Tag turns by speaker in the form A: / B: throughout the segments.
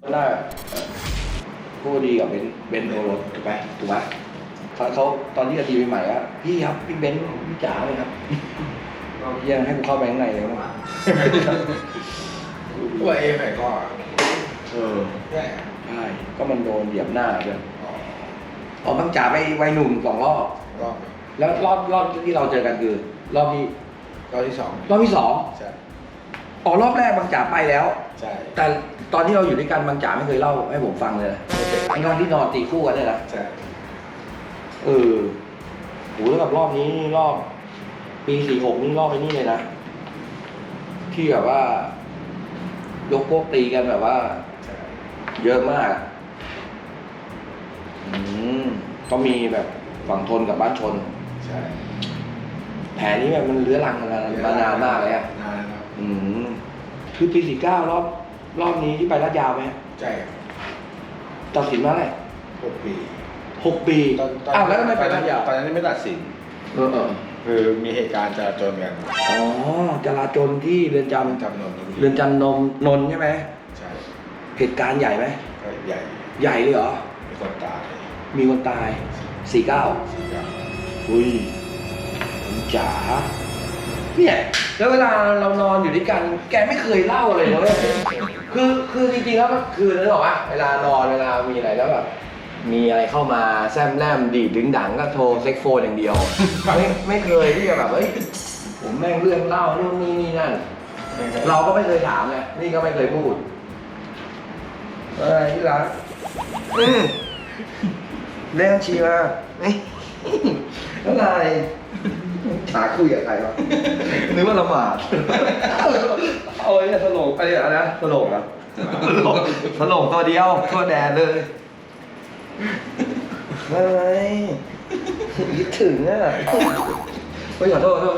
A: น่าพูดดีกับเบนโอรสถูกไหมเขาตอนที่จะทีใหม่ๆอะพี่ครับพี่เบนพี่จ๋าเลยครับยังให้กูเข้าไปข้างในเลยมั้ง
B: ตัวเองไหนก็ใช่
A: ก็มันโดนเหยียบหน้าเลยออกบางจ๋าไปวัยหนุ่ม2 รอบแล้วรอบที่เราเจอกันคือรอบที่
B: รอบที่สอง
A: ใช่รอบแรกบางจ๋าไปแล้ว
B: ใช่
A: แต่ตอนที่เราอยู่ด้วยกันบางจ๋าไม่เคยเล่าให้ผมฟังเลยทั้งที่นอนตีคู่กันเนี่ยนะ
B: ใช่
A: โหแล้วกับรอบนี้รอบปี46นี่รอบไปนี่เลยนะที่แบบว่ายกพวกตีกันแบบว่าเยอะมากก็มีแบบฝั่งทนกับบ้านชน
B: ใช่
A: แผลนี้แบบมันเลื้อรังมานานมากเลยอ่ะ
B: นานครับ
A: คือปี49รอบนี้ที่ไปลาดยาวไหม
B: ใช่
A: ตัดสินมาอะไร
B: 6 ปี
A: 6 ปีแล้วทำไมไปลาดยาว
B: ตอนนั้นไม่ตัดสินคือมีเหตุการณ์จราจรกัน
A: จราจรที่เรือนจำนนท์ใช่ไหม
B: ใช่
A: เหตุการณ์ใหญ่ไหม
B: ใหญ่
A: เลยเหรอมีคนตาย49อุ้ยคุณจ๋าเนี่ยแล้วเวลาเรานอนอยู่ด้วยกันแกไม่เคยเล่าเลยนะเว้ยคือจริงๆแล้วก็คือนึกออกปะเวลานอนเวลามีอะไรแล้วแบบมีอะไรเข้ามาแซมแลมดีดดึงดังก็โทรเซ็กโฟนอย่างเดียวไม่เคยที่จะแบบผมแม่งเรื่องเล่านู่นนี่นั่นเราก็ไม่เคยถามไงนี่ก็ไม่เคยพูดอะไรที่รักเรื่องชีมาอะไรหาคุยกับใครวะนึกว่าละหมาดเอาไอ้ตลกไปอะไรนะตลกอ่ะตลกตัวเดียวตัวแดดเลยอะไรคิดถึงอ่ะขอโทษแล้ว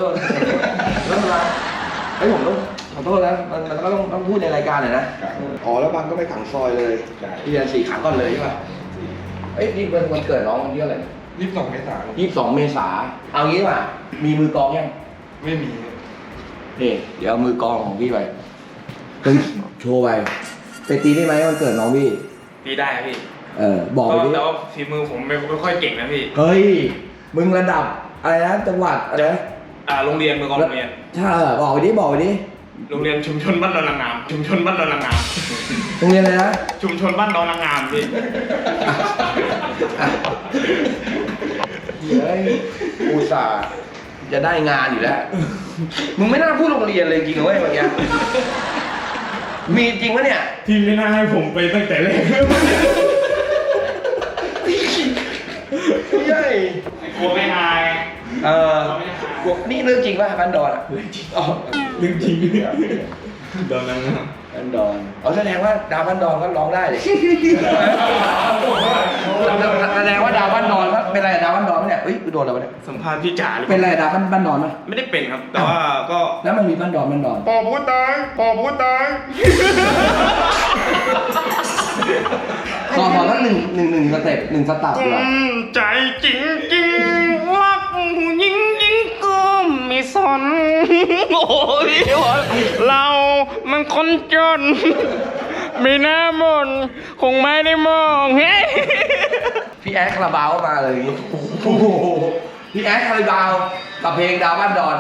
A: ผมต้องขอโทษนะมันก็ต้องพูดในรายการหน่อยนะแล้วบางก็ไปขังซอยเลยที่เดือน4ขังก่อนเลยใช่ป่ะนี่เป็นวันเกิดน้องวันที่อะไร
B: 22 เมษายน
A: 22 เมษาเอางี้ป่ะมีมือกลองยัง
B: ไม่มี
A: นี่เดี๋ยวมือกลองของพี่ไปโชว์ไปตีได้ไหมวันเกิดน้องพี่
C: ตีได้ครับพี่
A: บอกไปดิ
C: แต่ว่าฝีมือผมไม่ค่อยเก่งนะพี่
A: เฮ้ยมึงระดับอะไรนะจังหวัดอะไร
C: โรงเรียนมือกลองโรงเรียน
A: ใช่บอกไปดิ
C: โรงเรียนชุมชนบ้านดอนนางงามโ
A: รงเรียนอะไรนะ
C: ชุมชนบ้านดอนนางงามพี่
A: เฮ้ยอุตส่าห์จะได้งานอยู่แล้วมึงไม่น่าพูดโรงเรียนเลยจริงๆเว้ยเมื่อกี้มีจริงปะเนี่ย
C: ที่ไม่น่าให้ผมไปตั้งแต่แรก
A: ใช่
C: กลัวไม่อาย
A: นี่เรื่องจริงป่ะบ้านดอน
C: เรื่องจริงดอนนางงาม
A: บ้านดอนแสดงว่าดาวบ้านดอนก็ร้องได้เลยแสดงว่าดาวบ้านดอนเป็นอะไรดาวบ้านดอนเนี่ยโดนอะไรเนี่ย
C: สัมภาษณ์พี่จ๋า
A: เป็นอะไรดาวบ้านดอนไหม
C: ไม่ได้เป็นครับแต่ว่าก็
A: แล้วมันมีบ้านดอน
C: ปอผู้ตาย
A: ขอสักหนึ่งสเต็ป1 สตับดีกว่า
C: ใจจริงรักผู้หญิงก็ไม่สนโอ้ยเรามันคนจนไม่น่ามนคงไม่ได้มอง
A: พี่แอดคาราบาวมาเลยพี่แอดคาราบาวกับเพลงดาวบ้านดอน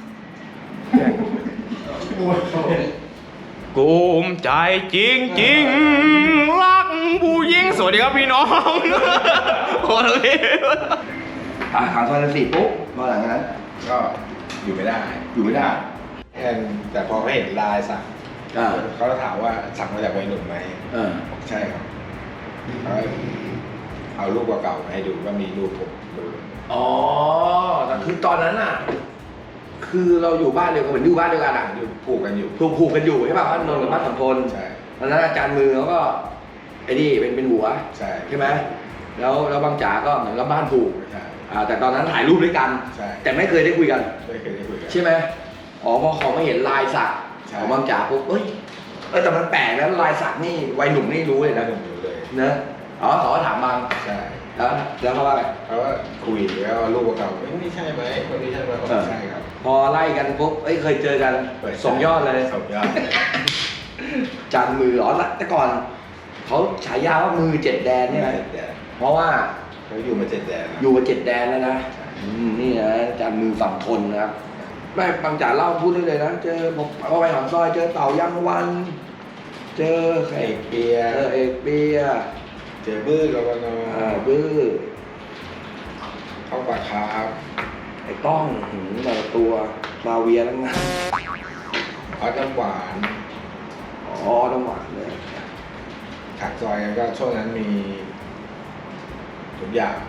C: กูมใจจริงรักผู้หญิงสวัสดีครับพี่น้องโอ้ย
A: ขังซอย4ปุ๊บมาหลังนั้น
B: ก็อยู่ไม่ได้แต่พอเขาเห็นลายสั่งเขาถามว่าสั่งมาจากวัยหนุ่มไหมใช่ครับเขาเอารูปเก่าๆมาให้ดูว่ามีรูปผมดู
A: แต่คือตอนนั้นอ่ะคือเราอยู่บ้านเดียวกันเหมือนอยู่บ้านเดียวกันอ่ะ
B: ผูกกันอยู่
A: ใช่ป่ะบ้านนนท์กับบ้านสัมพลตอนนั้นอาจารย์มือเขาก็นี่เป็นหัวใช่ไหมแล้วบางจ๋าก็เหมือนกับบ้านผูกแต่ตอนนั้นถ่ายรูปด้วยกันแต่ไม่เคยได้คุยกันใช่ไหมพอเขาไม่เห็นลายสักของบางจ๋าปุ๊บแต่มันแปลกแล้วลายสักนี่วัยหนุ่มนี่รู้เลยนะเนอะเขาก็ถามบางแล้วเขาว่าไง
B: เขาว่าคุยแล้วรูปเก่านี่ใช่ไหมคนนี้ใช่ไหมใช่ครับ
A: พอไล่กันปุ๊บเคยเจอกัน2 ยอดเลย
B: 2 ยอด
A: จันมือแต่ก่อนเขาฉายาว่ามือ7 แดนเนี่ยนะ
B: 7 แดน
A: เพราะว่า
B: เขาอยู่มา7 แดนแล้ว
A: อยู่มา7 แดนแล้วนะนี่นะอาจารย์มือฝั่งทนนะครับไม่บางจ่าเล่าพูดได้เลยนะเจอผมเอาไปหางซอยเจอเต่ายังวัน เจอใคร
B: เอกเปีย
A: เอกเปีย
B: เจอบื้อกบน
A: บื้อ
B: เข้าปากคาครับ
A: ไอ้ต้องแต่ละตัวมาเวียทั้งนั้น
B: ออสน้ำหวาน
A: อ๋อต้องหวานเลย
B: ฉากซอยก็ช่วงนั้นมีทุกอย่าง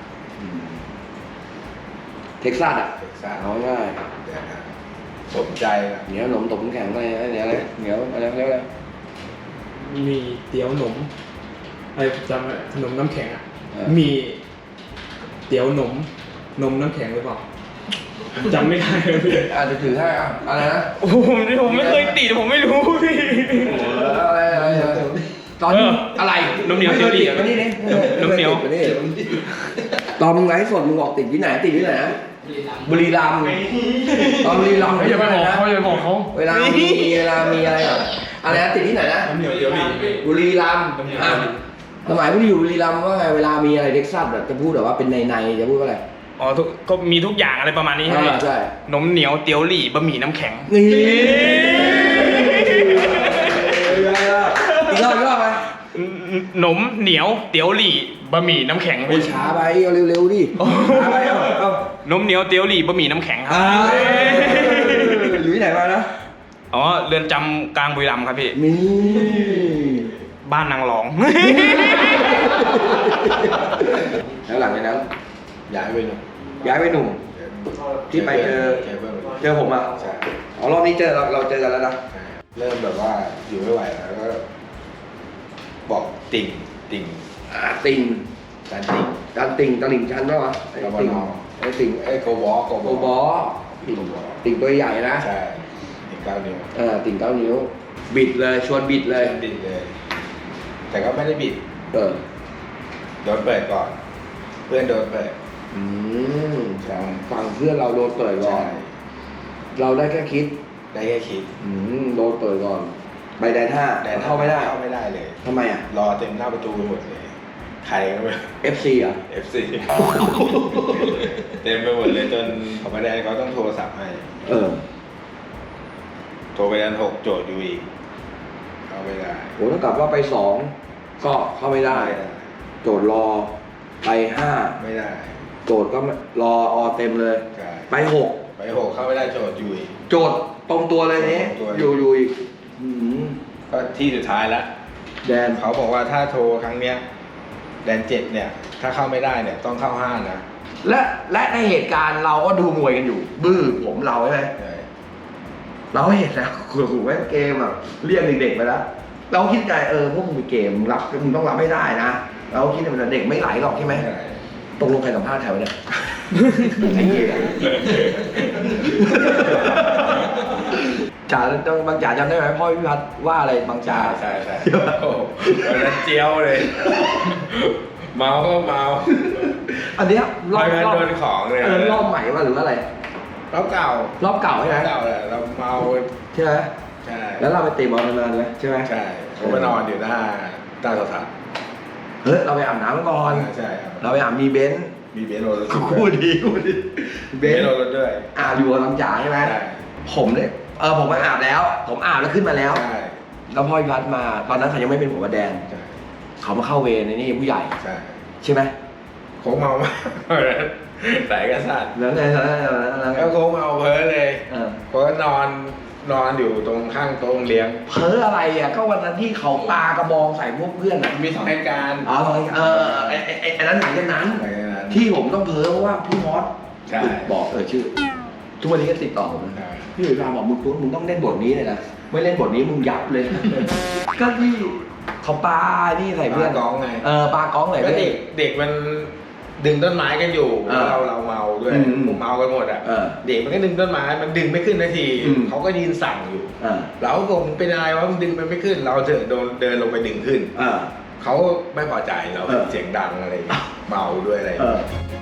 A: เท็กซัสอ่ะ
B: เท็กซัส
A: เอาง่าย
B: สมใจนะ
A: เหนียวหนมตบแข็งอะไรเนี่ยอะไรเหนียวอะไรเรียกอะไร
C: มีเตี๋ยวหนมอะไรจำไม่ขนมน้ำแข็งอ่ะ
A: เออ
C: มีเตี๋ยวหนมนมน้ำแข็งหรือเปล่าจำไม่ได้เลยพี่
A: อาจจะถือให้อ่ะอะไรนะ
C: โอ้โหผมไม่เคยติดผมไม่รู้พี่
A: อะไรตอนอะไร
C: นมเหนียวเตี๋ยวหลี่
A: มานี่ดิ
C: นมเหนียว
A: มานี่ตอนมึงไลฟ์สดมึงบอกติดที่ไหนติดที่ไหนนะบุรีรัมย์ตอนบุรีรัมย์
C: อย่าไปบอกเขาอย่าไปบอกเขา
A: เวลามีอะไรอ่ะอะไรนะติดที่ไหนนะ
C: น้ำเหนียวเตี๋ยวหลี่
A: บุรีรัมย์อ่ะสมัยพี่อยู่บุรีรัมย์ว่าไงเวลามีอะไรเท็กซัสแบบจะพูดแบบว่าเป็นในจะพูดว่าอะไร
C: อ๋อก็มีทุกอย่างอะไรประมาณนี้ใช่ไหม
A: ใช่
C: นมเหนียวเตี๋ยวหลี่บะหมี่น้ำแข็ง
A: นี่อีกรอบไหม
C: นมเหนียวเตี๋ยวหลี่บะหมี่น้ำแข็ง
A: โอ้ยช้าไปเอาเร็วๆดิช้าไปเอา
C: นมเหนียวเตี๋ยวหลี่บะหมี่น้ำแข็งครั
A: อยู่ที่ไหนมานะ
C: อ๋อเรือนจำกลางบุรีรัมย์ครับพี่
A: นี่
C: บ้านนางรอง
A: แล้วหลังจากนั้น
B: ย้ายไปหนุ่ม
A: ย้ายไปหนุ่ม ที่ไปเจอ เจอผมอ่ะ
B: ใช่
A: อ๋อรอบนี้เจอเราเจอกันแล้วนะ
B: เริ่มแบบว่าอยู่ไม่ไหวแล้วก็บอกติ่ง
A: ติ่ง
B: การติ่ง
A: การติ่งตลิ่งชันป่ะวะไอ้ติ่ง
B: กบน
A: ไอ้ติ่ง
B: ไอ้โกวอ
A: โอบอติ่งตัวใหญ่นะ
B: ใช่ติ่ง9 นิ้ว
A: ติ่ง9 นิ้ว บิดเลยชวนบิดเลย
B: บิดเลย แต่ก็ไม่ได้บิด
A: เออ
B: โดนเปิดก่อน เพื่อนโดนเปิด
A: ใช่ฝั่งเพื่อนเราโดนเปิดก่อ
B: ใช่
A: นเราได้แค่คิด
B: ได้แค่คิด
A: โดนเปิดก่อน ใบแดน5แต่เข้าไม่ได้
B: เข้าไม่ได้เลย
A: ทำไมอ่ะ
B: รอเต็มหน้าประตูไปหมดเลย ใครก็ไม่รู้
A: FC อ่ะ
B: FC เต็มไปหมดเลยจนเขาไม่ได้เขาต้องโทรศัพท์ให้
A: เออ
B: โทรไปด้าน6โจทย์อยู่อีกเข้าไม่ได้
A: โหถ้ากลับว่าไป2ก็เข้าไม่ได้ โจทย์รอไป5
B: ไม่ได้
A: โจทย์ก็รอเต็มเลย
B: ใช่
A: ไป
B: ไป6เข้าไม่ได้โจทย์อยู่อีก
A: 6 โจทย์ตรงตัวเลยนี้
B: ตรงตัว
A: อยู่อีก
B: ก็ที่สุดท้ายแล้ว
A: แดน
B: เขาบอกว่าถ้าโทรครั้งเนี้ยแดน7เนี่ย ถ้าเข้าไม่ได้เนี่ยต้องเข้า5นะ
A: และในเหตุการณ์เราก็ดูมวยกันอยู่ บื้อผมเราใช่ไหม
B: ใช่
A: เราเห็นแล้วโอ้โหแม่งเกมแบบเรียกเด็กๆไปแล้วเราคิดใจพวกมึงเป็นเกมมึงรับมึงต้องรับไม่ได้นะเราคิดว่าเด็กไม่ไหลหรอกใช่ไหม
B: ใช่
A: ตกลงใครสัมภาษณ์แถวเนี่ยไอ้เหี้ยจ่าบางจ่าจำได้ไหมพ่อพี่พัฒน์ว่าอะไรบางจ่า
B: ใช่โอ้โหวันนั้นเจียวเลย เมาก็เมา
A: อันเนี้ยรอบ
B: โดนของเลย
A: รอบใหม่ว่าหรือว่าอะไร
B: รอบเก่าร
A: อบเก่าใช่ไหม
B: เก่าแหละเราเมา
A: ใช่ไหม
B: ใช่
A: แล้วเราไปเตะบอลนานไหมใช่ไหม
B: ใช่เขามานอนอยู่หน้าโทรทัศน์
A: เฮ้ยเราไปอาบน้ำก่อน
B: ใช่ครับ
A: เราไปอาบมีเบนซ์
B: มีเบนโรถ
A: คู่ดีเบ
B: เบ
A: น
B: น
A: ซ์
B: โรถด้วย
A: อยู่กับบางจ่าใช่ไหม
B: ใช่
A: ผมเนี่ยผมมาอาบแล้ว ผมอาบแล้วขึ้นมาแล้ว
B: ใช่
A: แล้วพ่อพี่พัฒน์มา ตอนนั้นเขายังไม่เป็นหัวแดน
B: ใช่
A: เขามาเข้าเวรในนี่ผู้ใหญ่
B: ใช่
A: ใช่ไหม
B: โค้งเมามากสายกระสัด
A: แล้วไงแล้วไง
B: แล้วโค้งเมาเพ้อเลย
A: เออ
B: เพราะว่านอนอยู่ตรงข้างโต๊ะเลี้ยง
A: เพ้ออะไรอ่ะก็วันนั้นที่เขาปากระบองใส่พวกเพื่อนอ่ะ
B: มี2เหตุการณ์
A: อ๋อไอ้นั้นหลังจากนั้น
B: หลังจากนั้น
A: ที่ผมต้องเพ้อเพราะว่าพี่มอส
B: ใช่
A: บอกชื่อ ทุกวันนี้ก็ติดต่อผมนะ
B: ใช่
A: พี่หลุยส์พาบอกมึงต้องเล่นบทนี้เลยนะไม่เล่นบทนี้มึงยับเลย ก็ที่เขาปานี่ใส่เพื่อน
B: ปากองไง
A: ปากองใส่
B: ก็
A: เพื่อน
B: เด็กมันดึงต้นไม้กันอยู่ เราเมาด้วย ผมเมากันหมดอ่ะ เด็กมันก็ดึงต้นไม้มันดึงไม่ขึ้นนาทีเขาก็ยืนสั่งอยู่เราก็ผมเป็นอะไรวะมันดึงมันไม่ขึ้น เราเดินลงไปดึงขึ้นเขาไม่พอใจเราเสียงดังอะไรเมาด้วยอะไร